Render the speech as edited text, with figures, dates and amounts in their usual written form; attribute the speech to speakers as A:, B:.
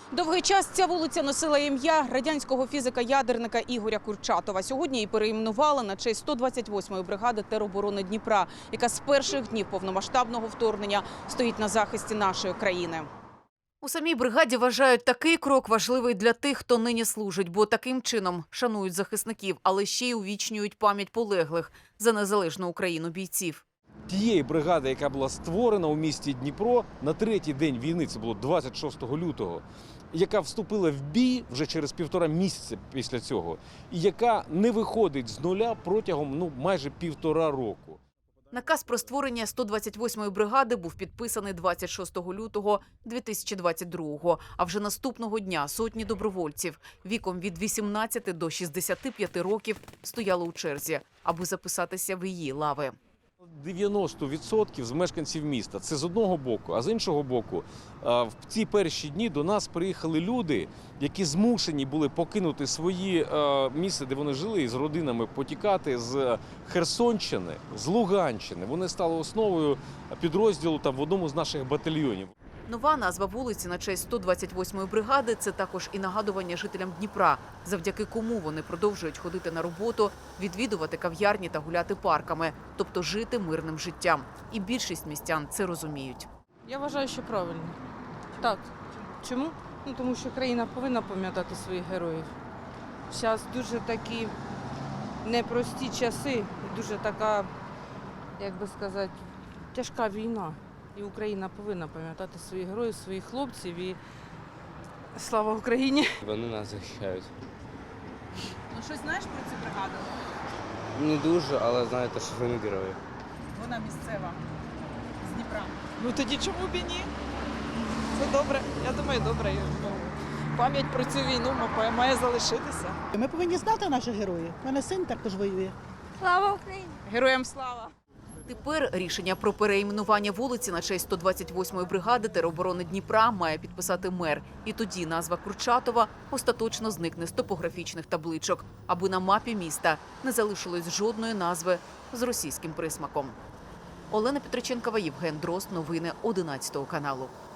A: Довгий час ця вулиця носила ім'я радянського фізика-ядерника Ігоря Курчатова. Сьогодні її перейменували на честь 128-ї бригади тероборони Дніпра, яка з перших днів повномасштабного вторгнення стоїть на захисті нашої країни. У самій бригаді вважають, такий крок важливий для тих, хто нині служить, бо таким чином шанують захисників, але ще й увічнюють пам'ять полеглих за незалежну Україну бійців.
B: Тієї бригади, яка була створена у місті Дніпро на третій день війни, це було 26 лютого, яка вступила в бій вже через 1,5 місяця після цього, і яка не виходить з нуля протягом майже 1,5 року.
A: Наказ про створення 128-ї бригади був підписаний 26 лютого 2022-го, а вже наступного дня сотні добровольців віком від 18 до 65 років стояли у черзі, аби записатися в її лави.
B: 90% з мешканців міста – це з одного боку, а з іншого боку, в ці перші дні до нас приїхали люди, які змушені були покинути свої місця, де вони жили, і з родинами потікати з Херсонщини, з Луганщини. Вони стали основою підрозділу в одному з наших батальйонів.
A: Нова назва вулиці на честь 128-ї бригади – це також і нагадування жителям Дніпра, завдяки кому вони продовжують ходити на роботу, відвідувати кав'ярні та гуляти парками, тобто жити мирним життям. І більшість містян це розуміють.
C: Я вважаю, що правильно. Так. Чому? Тому що країна повинна пам'ятати своїх героїв. Зараз дуже такі непрості часи, дуже така, як би сказати, тяжка війна. І Україна повинна пам'ятати своїх героїв, своїх хлопців і слава Україні!
D: Вони нас захищають.
A: Ну, щось знаєш про цю бригаду?
D: Не дуже, але знаєте, що вони герої.
A: Вона місцева, з Дніпра.
E: Ну тоді чому б і ні? Це добре. Я думаю, добре. Пам'ять про цю війну має залишитися.
F: Ми повинні знати наших героїв. У мене син також воює.
C: Слава Україні!
E: Героям слава!
A: Тепер рішення про перейменування вулиці на честь 128-ї бригади тероборони Дніпра має підписати мер. І тоді назва Курчатова остаточно зникне з топографічних табличок, аби на мапі міста не залишилось жодної назви з російським присмаком. Олена Петриченкова, Євген Дрозд. Новини 11 каналу.